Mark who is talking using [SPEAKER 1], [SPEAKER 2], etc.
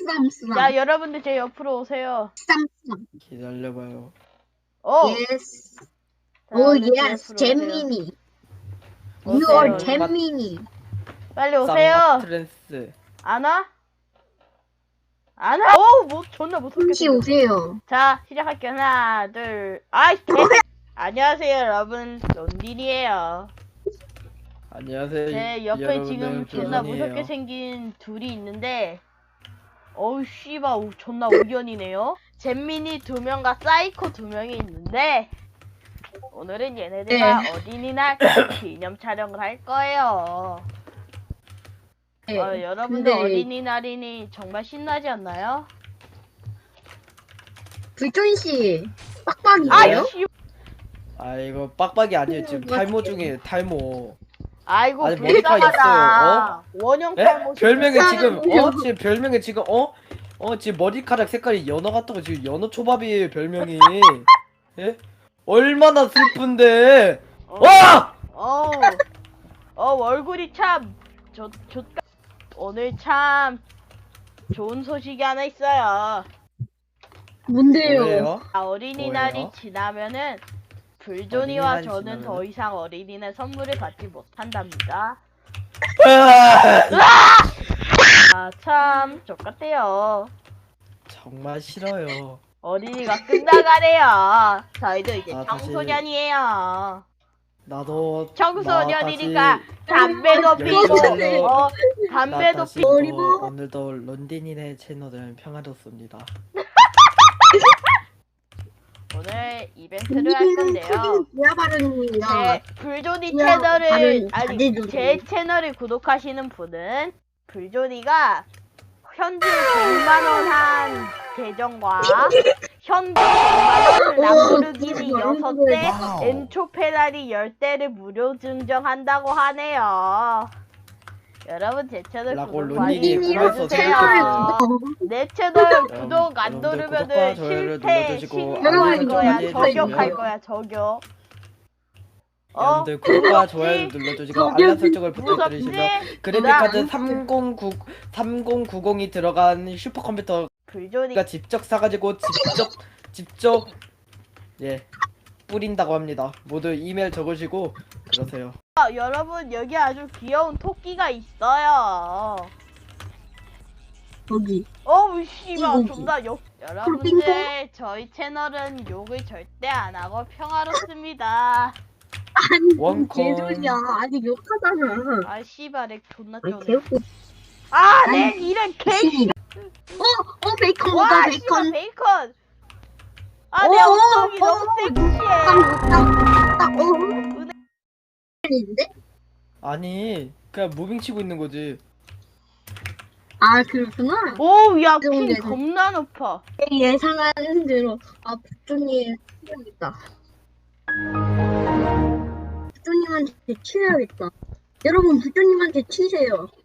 [SPEAKER 1] 쓰담.
[SPEAKER 2] 자, 여러분들 제 옆으로 오세요.
[SPEAKER 1] 쓰담.
[SPEAKER 3] 기다려봐요.
[SPEAKER 1] 예스.
[SPEAKER 2] 자,
[SPEAKER 1] 오
[SPEAKER 2] 여러분들 제
[SPEAKER 1] 예스.
[SPEAKER 2] 옆으로 오세요.
[SPEAKER 1] 잼민이. You
[SPEAKER 2] 오세요.
[SPEAKER 1] are 잼민이.
[SPEAKER 2] 빨리 오세요.
[SPEAKER 3] 트랜스.
[SPEAKER 2] 안 와? 안 와? 뭐 존나 무섭게
[SPEAKER 1] 잠시
[SPEAKER 2] 생겼어.
[SPEAKER 1] 오세요.
[SPEAKER 2] 자, 시작할게요. 하나, 둘, 아이, 안녕하세요, 여러분. 론딘이에요.
[SPEAKER 3] 안녕하세요.
[SPEAKER 2] 제 옆에
[SPEAKER 3] 여러분들,
[SPEAKER 2] 지금 존나
[SPEAKER 3] 조선이에요.
[SPEAKER 2] 무섭게 생긴 둘이 있는데, 어우, 씨발, 존나 우연이네요. 잼민이 2명과 사이코 2명이 있는데, 오늘은 얘네들과 어린이날 기념 촬영을 할 거예요.
[SPEAKER 1] 네.
[SPEAKER 2] 여러분들
[SPEAKER 1] 근데
[SPEAKER 2] 어린이날이니 정말 신나지 않나요?
[SPEAKER 1] 불존 씨 빡빡이에요?
[SPEAKER 2] 아이씨,
[SPEAKER 3] 아 이거 빡빡이 아니에요. 지금
[SPEAKER 1] 뭐가
[SPEAKER 3] 탈모 중에 탈모.
[SPEAKER 2] 아이고
[SPEAKER 3] 아니, 머리카락
[SPEAKER 2] 불쌍하다. 원형
[SPEAKER 3] 에?
[SPEAKER 2] 탈모.
[SPEAKER 3] 별명이 지금
[SPEAKER 1] 사람이요.
[SPEAKER 3] 지금 별명이 지금 지금 머리카락 색깔이 연어 같다고 지금 연어 초밥이에요 별명이. 예? 얼마나 슬픈데. 와!
[SPEAKER 2] 얼굴이 참 오늘 참 좋은 소식이 하나 있어요.
[SPEAKER 1] 뭔데요?
[SPEAKER 3] 뭐예요?
[SPEAKER 2] 어린이날이
[SPEAKER 3] 뭐예요?
[SPEAKER 2] 지나면은 불존이와
[SPEAKER 3] 어린이날이
[SPEAKER 2] 저는
[SPEAKER 3] 지나면은?
[SPEAKER 2] 더 이상 어린이날 선물을 받지 못한답니다. 참 족같대요.
[SPEAKER 3] 정말 싫어요.
[SPEAKER 2] 어린이가 끝나가네요. 저희도 이제
[SPEAKER 3] 다시-
[SPEAKER 2] 청소년이에요.
[SPEAKER 3] 나도
[SPEAKER 2] 청소년이니까
[SPEAKER 3] 다시
[SPEAKER 2] 담배도
[SPEAKER 3] 열심히 살려.
[SPEAKER 2] 피고 담배도
[SPEAKER 3] 다시
[SPEAKER 2] 피고
[SPEAKER 3] 오늘도 런딘이네 채널은 평화롭습니다.
[SPEAKER 2] 오늘 이벤트를 할 건데요.
[SPEAKER 1] 뭐야 발언입니다.
[SPEAKER 2] 제 불조니
[SPEAKER 1] 뭐야,
[SPEAKER 2] 채널을
[SPEAKER 1] 발언
[SPEAKER 2] 아니
[SPEAKER 1] 잘해주세요.
[SPEAKER 2] 제 채널을 구독하시는 분은 불조니가 현질 100만 원 한 계정과 현금 100만 원 람보르기니 6대 엔초 페라리 10대를 무료 증정한다고 하네요. 여러분 제 채널
[SPEAKER 3] 라고
[SPEAKER 2] 구독
[SPEAKER 3] 론딘이
[SPEAKER 2] 많이
[SPEAKER 3] 꿈에서
[SPEAKER 2] 눌러주세요.
[SPEAKER 3] 생각했어요.
[SPEAKER 2] 내 채널 구독 안
[SPEAKER 3] 여러분들
[SPEAKER 2] 누르면은
[SPEAKER 3] 구독과 좋아요를
[SPEAKER 2] 실패
[SPEAKER 3] 눌러주시고
[SPEAKER 2] 신고할
[SPEAKER 1] 알림
[SPEAKER 2] 거야.
[SPEAKER 1] 설정까지
[SPEAKER 2] 저격할
[SPEAKER 1] 해주세요.
[SPEAKER 2] 거야. 저격.
[SPEAKER 3] 여러분들 구독과 좋아요를 눌러주시고
[SPEAKER 1] 저기
[SPEAKER 3] 알람 설정을
[SPEAKER 2] 무섭지?
[SPEAKER 3] 부탁드리시면 그래픽카드 3090이 들어간 슈퍼컴퓨터가
[SPEAKER 2] 불조니
[SPEAKER 3] 직접 사가지고 직접 뿌린다고 합니다. 모두 이메일 적으시고 그러세요.
[SPEAKER 2] 여러분 여기 아주 귀여운 토끼가 있어요.
[SPEAKER 1] 거기.
[SPEAKER 2] 어우 씨발
[SPEAKER 1] 이거지.
[SPEAKER 2] 존나 여러분들 저희 채널은 욕을 절대 안 하고 평화롭습니다.
[SPEAKER 1] 아니
[SPEAKER 3] 원콘.
[SPEAKER 1] 개소리야. 아니 욕하잖아.
[SPEAKER 2] 아 씨발 렉 존나
[SPEAKER 1] 아니
[SPEAKER 2] 쩌네.
[SPEAKER 1] 개웃고.
[SPEAKER 2] 아내 이런 개.
[SPEAKER 1] 베이컨
[SPEAKER 2] 와
[SPEAKER 1] 먹어
[SPEAKER 2] 씨발
[SPEAKER 1] 베이컨.
[SPEAKER 2] 베이컨. 아내 엉덩이 너무 섹시해.
[SPEAKER 1] 딱 인데?
[SPEAKER 3] 아니 그냥 무빙 치고 있는 거지.
[SPEAKER 1] 아 그렇구나.
[SPEAKER 2] 오야
[SPEAKER 1] 좋은
[SPEAKER 2] 핀
[SPEAKER 1] 데서.
[SPEAKER 2] 겁나 높아.
[SPEAKER 1] 예상하는 대로 부조님 치워야겠다. 부조님한테 치워야겠다. 여러분 부조님한테 치세요.